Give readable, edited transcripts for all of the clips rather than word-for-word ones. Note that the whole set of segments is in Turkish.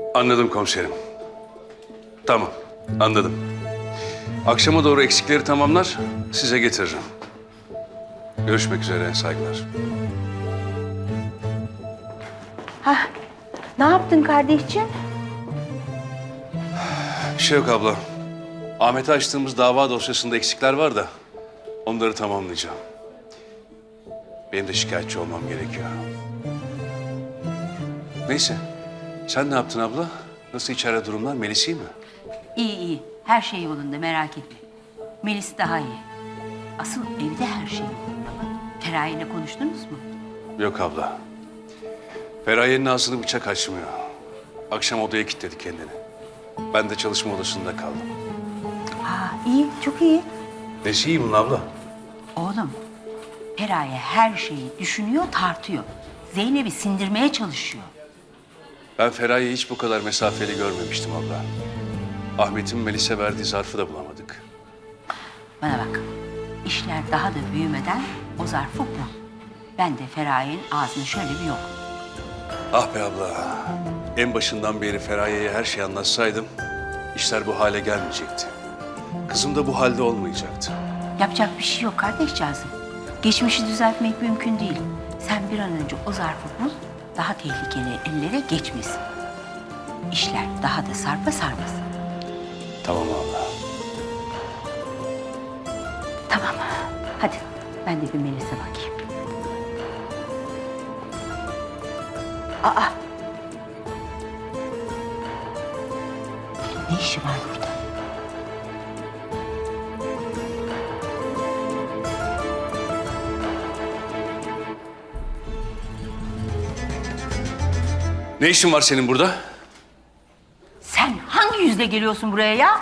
Anladım komiserim. Tamam, anladım. Akşama doğru eksikleri tamamlar, size getiririm. Görüşmek üzere, saygılar. Ne yaptın kardeşciğim? Bir şey yok abla. Ahmet'e açtığımız dava dosyasında eksikler var da onları tamamlayacağım. Benim de şikayetçi olmam gerekiyor. Neyse, sen ne yaptın abla? Nasıl içeride durumlar? Melis iyi mi? İyi iyi. Her şey yolunda merak etme. Melis daha iyi. Asıl evde her şey yolunda. Feraye ile konuştunuz mu? Yok abla. Feraye'nin ağzını bıçak açmıyor. Akşam odaya kilitledi kendini. Ben de çalışma odasında kaldım. İyi, çok iyi. Nesi iyi bunun abla? Oğlum, Feraye her şeyi düşünüyor, tartıyor. Zeynep'i sindirmeye çalışıyor. Ben Feraye'yi hiç bu kadar mesafeli görmemiştim abla. Ahmet'in Melis'e verdiği zarfı da bulamadık. Bana bak, işler daha da büyümeden o zarfı bul. Ben de Feraye'nin ağzını şöyle bir yok. Ah be abla. En başından beri Feraye'ye her şeyi anlatsaydım işler bu hale gelmeyecekti. Kızım da bu halde olmayacaktı. Yapacak bir şey yok kardeşcağızım. Geçmişi düzeltmek mümkün değil. Sen bir an önce o zarfı bul, daha tehlikeli ellere geçmesin. İşler daha da sarpa sarmasın. Tamam abla. Tamam, hadi ben de bir Melis'e bakayım. Ne işi var burada? Ne işin var senin burada? Sen hangi yüzle geliyorsun buraya ya?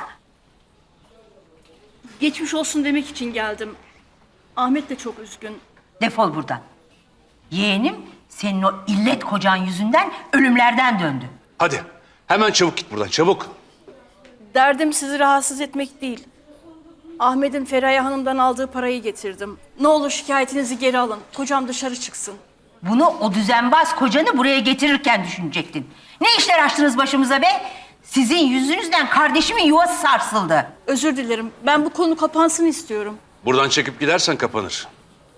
Geçmiş olsun demek için geldim. Ahmet de çok üzgün. Defol buradan. Yeğenim senin o illet kocan yüzünden ölümlerden döndü. Hadi hemen çabuk git buradan çabuk. Derdim sizi rahatsız etmek değil. Ahmet'in Feraye Hanım'dan aldığı parayı getirdim. Ne olur şikayetinizi geri alın. Kocam dışarı çıksın. Bunu o düzenbaz kocanı buraya getirirken düşünecektin. Ne işler açtınız başımıza be? Sizin yüzünüzden kardeşimin yuvası sarsıldı. Özür dilerim. Ben bu konu kapansın istiyorum. Buradan çekip gidersen kapanır.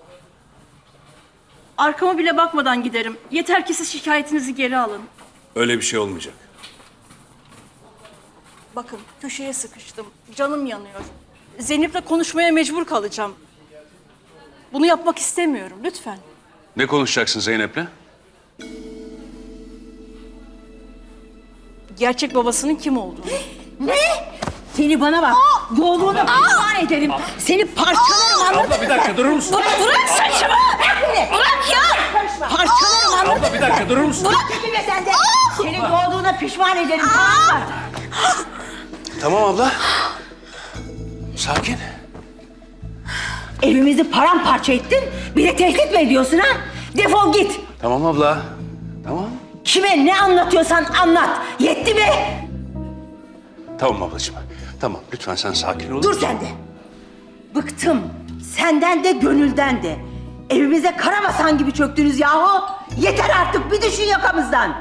Arkama bile bakmadan giderim. Yeter ki siz şikayetinizi geri alın. Öyle bir şey olmayacak. Bakın köşeye sıkıştım. Canım yanıyor. Zeynep'le konuşmaya mecbur kalacağım. Bunu yapmak istemiyorum. Lütfen. Ne konuşacaksın Zeynep'le? Gerçek babasının kim olduğunu. Ne? Seni bana bak. Yolunu pişman ederim. Seni parçalarım anladın mı? Abla bir dakika durur musun? Bırak saçımı. Bırak beni. Bırak ya. Parçalarım anladın mı? Abla bir dakika durur musun? Bırak tipime sen de. Senin doğduğuna pişman ederim tamam mı? Tamam abla. Sakin. Evimizi paramparça ettin. Bir de tehdit mi ediyorsun ha? Defol git. Tamam abla. Tamam. Kime ne anlatıyorsan anlat. Yetti be. Tamam ablacığım. Tamam lütfen sen sakin ol. Dur sen de. Bıktım. Senden de gönülden de. Evimize karabasan gibi çöktünüz yahu. Yeter artık bir düşün yakamızdan.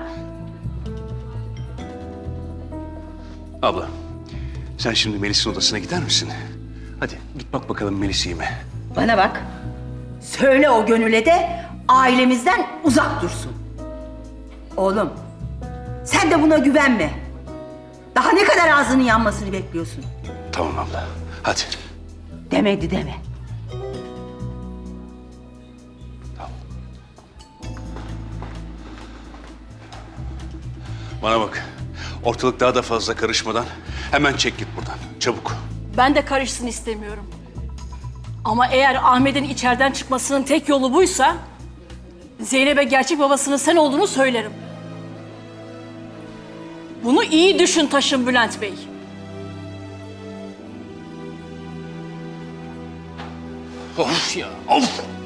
Abla sen şimdi Melis'in odasına gider misin? Hadi git bak bakalım Melis iyi mi? Bana bak. Söyle o gönüle de ailemizden uzak dursun. Oğlum sen de buna güvenme. Daha ne kadar ağzının yanmasını bekliyorsun? Tamam abla. Hadi. Demedi deme. Bana bak. Ortalık daha da fazla karışmadan hemen çek git buradan. Çabuk. Ben de karışsın istemiyorum. Ama eğer Ahmet'in içeriden çıkmasının tek yolu buysa... Zeynep'e gerçek babasının sen olduğunu söylerim. Bunu iyi düşün taşın Bülent Bey. Of ya. Of.